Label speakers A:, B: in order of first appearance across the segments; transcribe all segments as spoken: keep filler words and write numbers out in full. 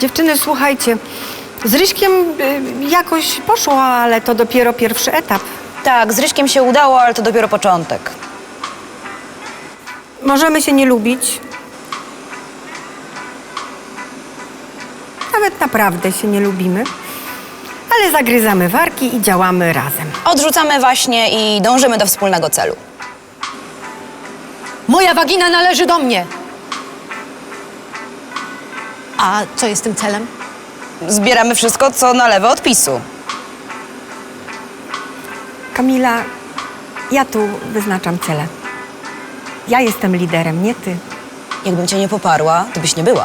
A: Dziewczyny, słuchajcie, z Ryśkiem y, jakoś poszło, ale to dopiero pierwszy etap.
B: Tak, z Ryśkiem się udało, ale to dopiero początek.
A: Możemy się nie lubić. Nawet naprawdę się nie lubimy. Ale zagryzamy warki i działamy razem.
B: Odrzucamy właśnie i dążymy do wspólnego celu.
C: Moja wagina należy do mnie. A co jest tym celem?
B: Zbieramy wszystko, co nalewa od PiSu.
A: Kamila, ja tu wyznaczam cele. Ja jestem liderem, nie ty.
B: Jakbym cię nie poparła, to byś nie była.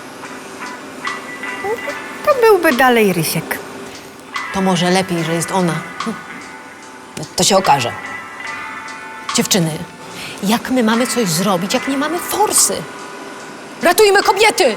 A: To byłby dalej Rysiek.
C: To może lepiej, że jest ona.
B: To się okaże.
C: Dziewczyny, jak my mamy coś zrobić, jak nie mamy forsy? Ratujmy kobiety!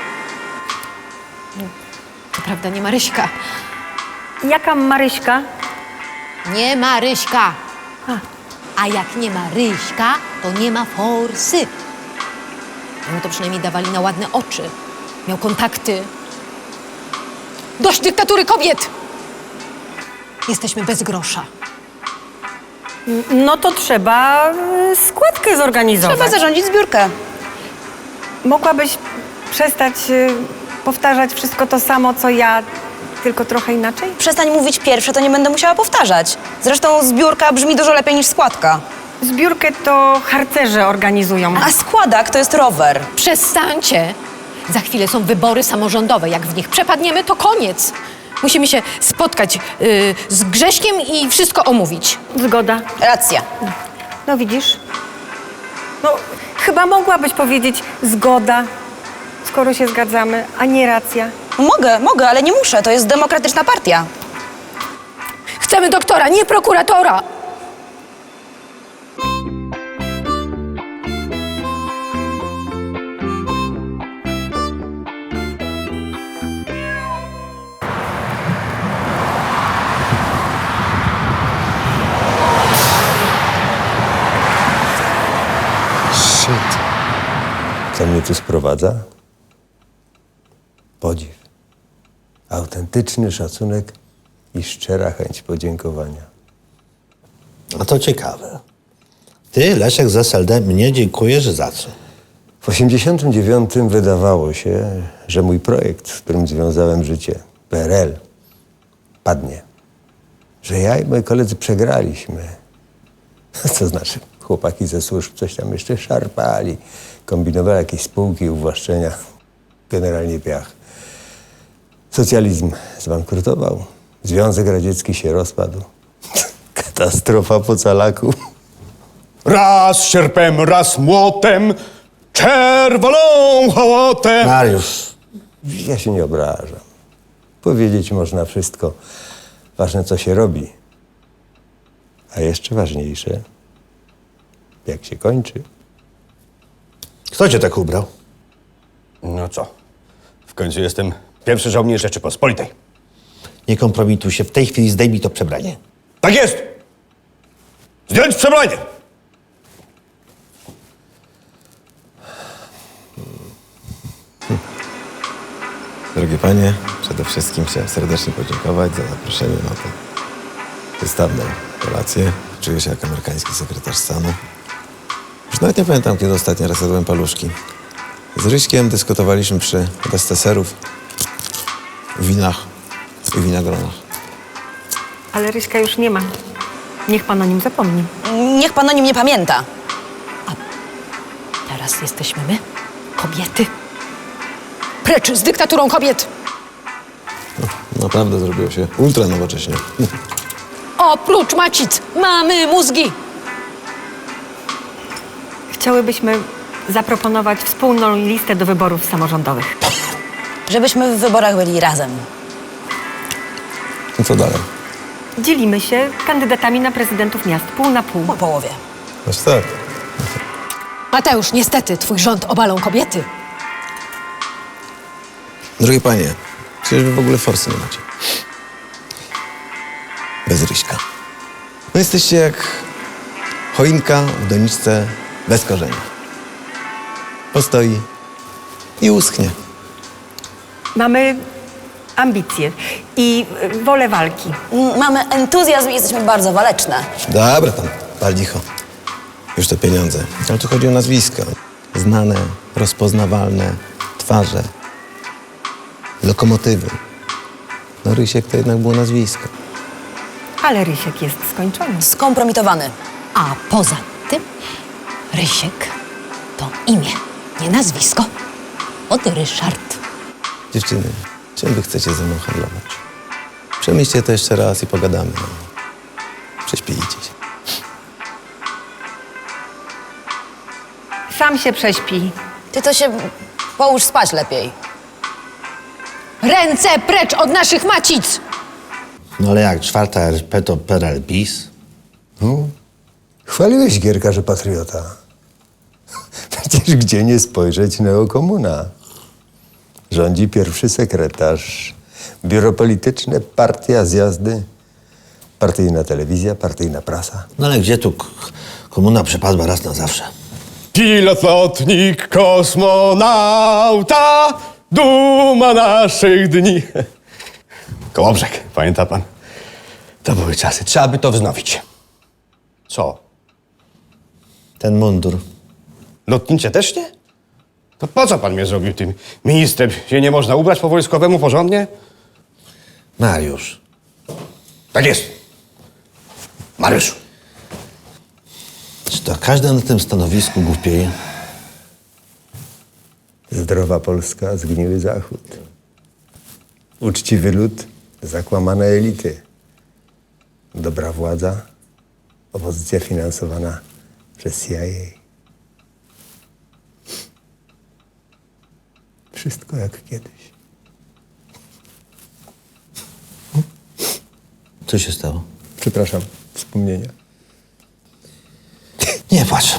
C: To prawda, nie ma Ryśka.
A: Jaka Maryśka?
C: Nie ma Ryśka.
A: A.
C: A jak nie ma Ryśka, to nie ma forsy. Mu to przynajmniej dawali na ładne oczy. Miał kontakty. Dość dyktatury kobiet! Jesteśmy bez grosza.
A: No to trzeba y, składkę zorganizować.
B: Trzeba zarządzić zbiórkę.
A: Mogłabyś przestać y, powtarzać wszystko to samo, co ja, tylko trochę inaczej?
B: Przestań mówić pierwsze, to nie będę musiała powtarzać. Zresztą zbiórka brzmi dużo lepiej niż składka.
A: Zbiórkę to harcerze organizują.
B: A składak to jest rower.
C: Przestańcie! Za chwilę są wybory samorządowe. Jak w nich przepadniemy, to koniec. Musimy się spotkać yy, z Grześkiem i wszystko omówić.
A: Zgoda.
B: Racja.
A: No widzisz? No, chyba mogłabyś powiedzieć zgoda, skoro się zgadzamy, a nie racja.
B: Mogę, mogę, ale nie muszę. To jest demokratyczna partia.
C: Chcemy doktora, nie prokuratora!
D: Shit. Co mnie tu sprowadza? Podziw. Autentyczny szacunek i szczera chęć podziękowania.
E: A to ciekawe. Ty, Leszek z S L D, mnie dziękujesz za co?
D: W osiemdziesiątym dziewiątym wydawało się, że mój projekt, z którym związałem życie, P R L, padnie. Że ja i moi koledzy przegraliśmy. Co znaczy, chłopaki ze służb coś tam jeszcze szarpali, kombinowali jakieś spółki, uwłaszczenia. Generalnie piach. Socjalizm zbankrutował. Związek Radziecki się rozpadł. Katastrofa po calaku.
F: Raz sierpem, raz młotem, czerwoną hołotę.
E: Mariusz,
D: Ja się nie obrażam. Powiedzieć można wszystko. Ważne, co się robi. A jeszcze ważniejsze, jak się kończy.
E: kto cię tak ubrał?
F: No co? W końcu jestem pierwszy żołnierz Rzeczypospolitej.
E: Nie kompromituj się, w tej chwili zdejmij to przebranie.
F: Tak jest! Zdjąć przebranie!
G: Drogie panie, przede wszystkim chciałem serdecznie podziękować za zaproszenie na tę wystawną kolację. Czuję się jak amerykański sekretarz stanu. Już nawet nie pamiętam, kiedy ostatnio raz jadłem paluszki. Z Ryśkiem dyskutowaliśmy przy desce serów, winach i winogronach.
A: Ale Ryśka już nie ma. Niech pan o nim zapomni.
B: Niech pan o nim nie pamięta.
C: Teraz jesteśmy my, kobiety. Precz z dyktaturą kobiet!
G: Naprawdę zrobiło się ultra nowocześnie.
C: Oprócz macic mamy mózgi!
A: Chciałybyśmy zaproponować wspólną listę do wyborów samorządowych.
B: Żebyśmy w wyborach byli razem.
G: I co dalej?
A: Dzielimy się kandydatami na prezydentów miast, pół na pół.
B: Po połowie.
G: Aż tak.
C: Mateusz, niestety, twój rząd obalą kobiety.
G: Drogie panie, przecież wy w ogóle forsy nie macie. Bez Ryśka. No jesteście jak choinka w doniczce bez korzeni. Postoi i uschnie.
A: Mamy ambicje i y, wolę walki.
B: Mm, Mamy entuzjazm i jesteśmy bardzo waleczne.
G: Dobra, tam, pal licho. Już te pieniądze. Ale tu chodzi o nazwiska. Znane, rozpoznawalne twarze. Lokomotywy. No Rysiek to jednak było nazwisko.
A: Ale Rysiek jest skończony.
B: Skompromitowany.
C: A poza tym Rysiek to imię, nie nazwisko. Od Ryszard.
G: Dziewczyny, czym wy chcecie ze mną handlować? Przemyślcie to jeszcze raz i pogadamy. No. Prześpijcie się.
A: Sam się prześpi.
B: Ty to się połóż spać lepiej.
C: Ręce precz od naszych macic!
E: No ale jak czwarta R P to P R L bis?
D: No, chwaliłeś Gierka, że patriota. Przecież gdzie nie spojrzeć, neokomuna. Rządzi pierwszy sekretarz, biuro polityczne, partia, zjazdy, partyjna telewizja, partyjna prasa.
E: No ale gdzie tu k- komuna przepadła raz na zawsze?
F: Pilot, lotnik, kosmonauta, duma naszych dni. Kołobrzeg, pamięta pan? To były czasy. Trzeba by to wznowić. Co?
E: Ten mundur.
F: Lotnicze też nie? To po co pan mnie zrobił tym ministrem? Się nie można ubrać po wojskowemu porządnie?
E: Mariusz.
F: Tak jest. Mariusz.
E: Czy to każdy na tym stanowisku głupieje?
D: Zdrowa Polska, zgniły Zachód. Uczciwy lud, zakłamane elity. Dobra władza, opozycja finansowana przez C I A. Wszystko jak kiedyś.
E: Co się stało?
D: Przepraszam, wspomnienia.
E: Nie płacz.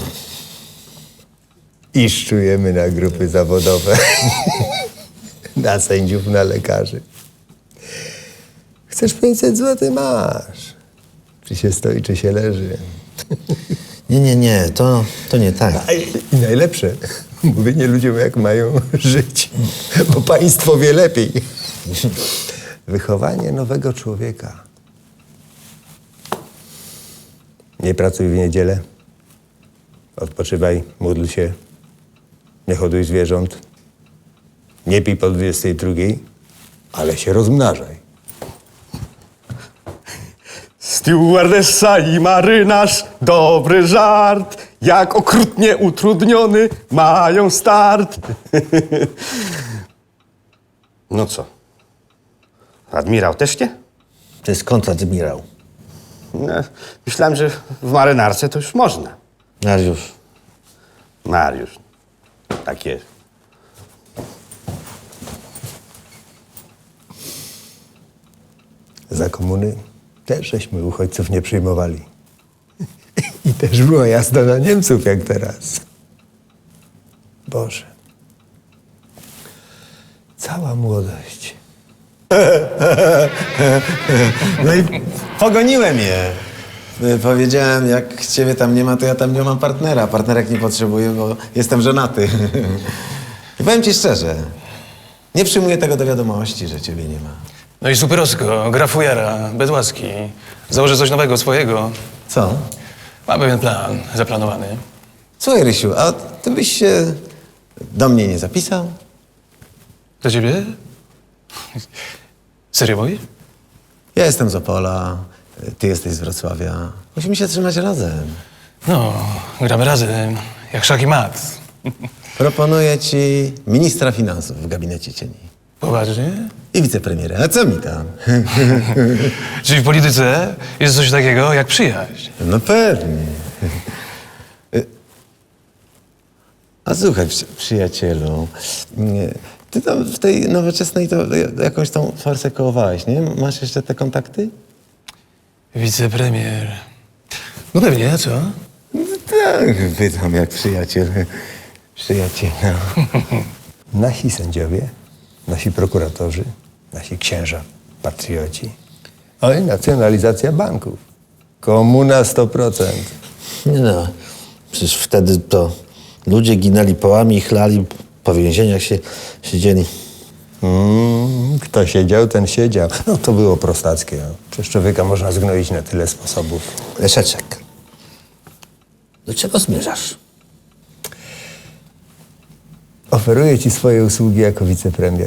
D: I szczujemy na grupy zawodowe, na sędziów, na lekarzy. Chcesz pięćset złotych? Masz. Czy się stoi, czy się leży.
E: Nie, nie, nie, to, to nie tak.
D: A i i najlepsze, mówienie ludziom, jak mają żyć, bo państwo wie lepiej. Wychowanie nowego człowieka. Nie pracuj w niedzielę. Odpoczywaj, módl się. Nie hoduj zwierząt. Nie pij po dwudziestej drugiej, ale się rozmnażaj.
F: Stewardessa i marynarz, dobry żart. Jak okrutnie utrudniony mają start. No co? Admirał też nie?
E: To jest kontradmirał.
F: No, myślałem, że w marynarce to już można.
E: Mariusz.
F: Mariusz. Tak jest.
D: Za komuny też żeśmy uchodźców nie przyjmowali. I też było jasno na Niemców, jak teraz. Boże. Cała młodość.
G: No i pogoniłem je. Y, Powiedziałem, jak ciebie tam nie ma, to ja tam nie mam partnera. Partnerek nie potrzebuję, bo jestem żonaty. I powiem ci szczerze, nie przyjmuję tego do wiadomości, że ciebie nie ma.
H: No i superowsko, gra fujara, bez łaski. Założę coś nowego, swojego.
G: Co?
H: Mam pewien plan zaplanowany.
G: Słuchaj, Rysiu, a ty byś się do mnie nie zapisał?
H: Do ciebie? Serio mówisz?
G: Ja jestem z Opola, ty jesteś z Wrocławia. Musimy się trzymać razem.
H: No, gramy razem, jak szach i mat.
G: Proponuję ci ministra finansów w gabinecie cieni.
H: Poważnie?
G: I wicepremiera. A co mi tam?
H: Czyli w polityce jest coś takiego jak przyjaźń.
G: No pewnie. Y, A słuchaj, przy, przyjacielu, nie, ty tam w tej nowoczesnej to jakąś tą forsę kołowałeś, nie? Masz jeszcze te kontakty?
H: Wicepremier. No pewnie, a co?
G: No tak, pytam jak przyjaciel. Przyjaciela.
D: Nasi sędziowie, nasi prokuratorzy, nasi księża, patrioci. Oj, nacjonalizacja banków. Komuna sto procent.
E: Nie no, przecież wtedy to ludzie ginęli połami i chlali, po więzieniach się siedzieli.
D: Mm, kto siedział, ten siedział. No to było prostackie. No. Przez człowieka można zgnoić na tyle sposobów.
E: Leszeczek, do czego zmierzasz?
D: Oferuję ci swoje usługi jako wicepremier.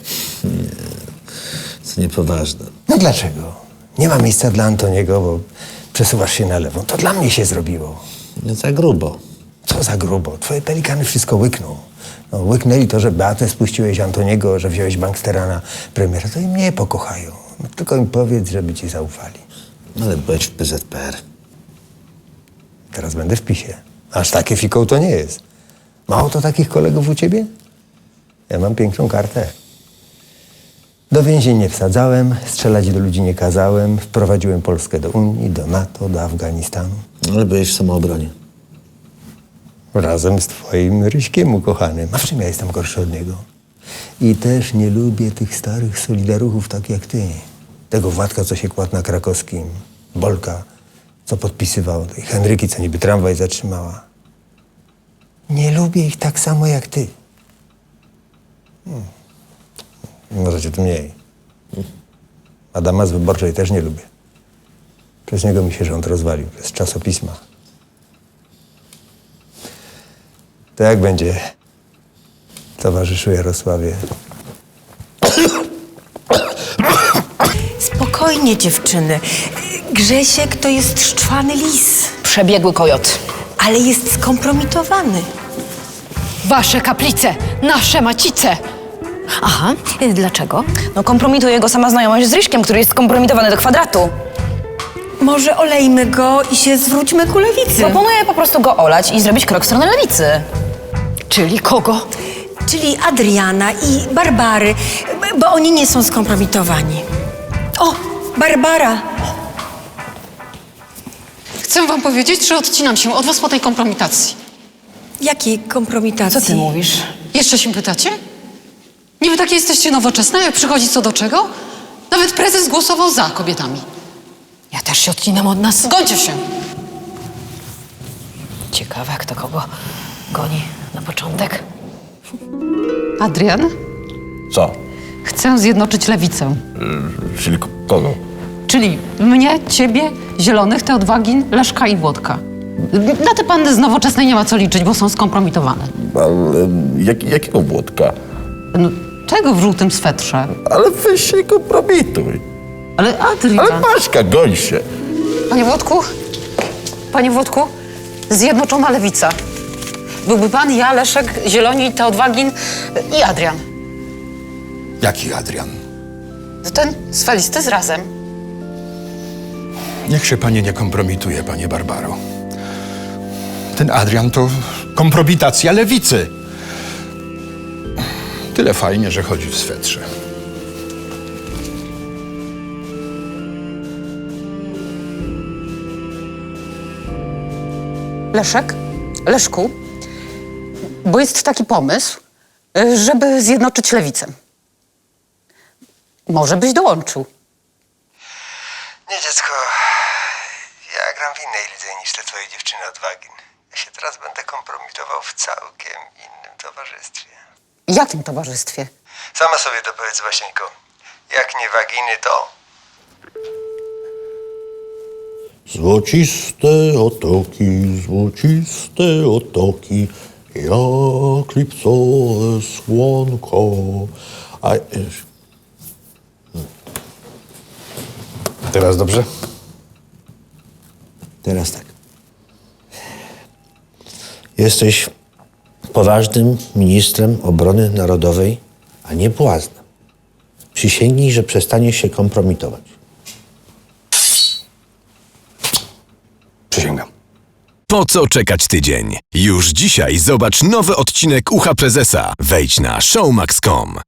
E: To niepoważne.
D: No dlaczego? Nie ma miejsca dla Antoniego, bo przesuwasz się na lewą. To dla mnie się zrobiło.
E: Nie za grubo.
D: Co za grubo. Twoje pelikany wszystko łykną. No, łyknęli to, że Beatę spuściłeś Antoniego, że wziąłeś bankstera na premiera. To i mnie pokochają. No, tylko im powiedz, żeby ci zaufali.
E: No, ale byłeś w P Z P R.
D: Teraz będę w PiSie. Aż takie fikoł to nie jest. Mało to takich kolegów u ciebie? Ja mam piękną kartę. Do więzień nie wsadzałem, strzelać do ludzi nie kazałem, wprowadziłem Polskę do Unii, do NATO, do Afganistanu.
E: Ale byłeś w samoobronie.
D: Razem z twoim Ryśkiem ukochanym. A w czym ja jestem gorszy od niego? I też nie lubię tych starych solidaruchów tak jak ty. Tego Władka, co się kładł na krakowskim. Bolka, co podpisywał. Tej Henryki, co niby tramwaj zatrzymała. Nie lubię ich tak samo jak ty. Hmm. Może cię tu mniej. Adama z Wyborczej też nie lubię. Przez niego mi się rząd rozwalił. Przez czasopisma. To jak będzie, towarzyszu Jarosławie?
A: Spokojnie, dziewczyny. Grzesiek to jest szczwany lis,
B: Przebiegły kojot.
A: ale jest skompromitowany.
C: Wasze kaplice, nasze macice. Aha, y, dlaczego?
B: No kompromituje go sama znajomość z Ryśkiem, który jest skompromitowany do kwadratu.
A: Może olejmy go i się zwróćmy ku lewicy.
B: Proponuję po prostu go olać i zrobić krok w stronę lewicy.
C: Czyli kogo?
A: Czyli Adriana i Barbary, b- bo oni nie są skompromitowani. O, Barbara!
I: Chcę wam powiedzieć, że odcinam się od was po tej kompromitacji.
A: Jakiej kompromitacji?
B: Co ty mówisz?
I: Jeszcze się pytacie? Niby takie jesteście nowoczesne, jak przychodzi co do czego? Nawet prezes głosował za kobietami.
C: Ja też się odcinam od nas.
I: Zgońcie się.
C: Ciekawe, kto kogo goni na początek.
I: Adrian,
F: Co?
I: chcę zjednoczyć lewicę.
F: Czyli kogo?
I: Czyli mnie, ciebie, Zielonych, Teodwagin, Leszka i Włodka. Na te pandy z nowoczesnej nie ma co liczyć, bo są skompromitowane.
F: Ale jak, jakiego Włodka?
I: No, tego w żółtym swetrze.
F: Ale weź się kompromituj.
I: Ale Adrian...
F: Ale Baśka, goń się.
I: Panie Włodku, panie Włodku, zjednoczona lewica. Byłby pan, ja, Leszek, Zieloni, Teodwagin i Adrian.
J: Jaki Adrian?
I: Ten z Felisty z razem.
J: Niech się pani nie kompromituje, panie Barbaro. Ten Adrian to kompromitacja lewicy. Tyle fajnie, że chodzi w swetrze.
I: Leszek, Leszku, bo jest taki pomysł, żeby zjednoczyć lewicę. Może byś dołączył.
D: Nie, dziecko. Ja gram w innej lidze niż te twoje dziewczyny od Wagin. Ja się teraz będę kompromitował w całkiem innym towarzystwie.
I: Jakim towarzystwie?
D: Sama sobie to powiedz, Wasieńko. Jak nie Waginy, to...
E: Złociste otoki, złociste otoki, jak lipcowe słonko. A...
F: Teraz dobrze?
E: Teraz tak. Jesteś poważnym ministrem obrony narodowej, a nie błaznem. Przysięgnij, że przestaniesz się kompromitować.
F: Przysięgam.
K: Po co czekać tydzień? Już dzisiaj zobacz nowy odcinek Ucha Prezesa. Wejdź na showmax kropka com.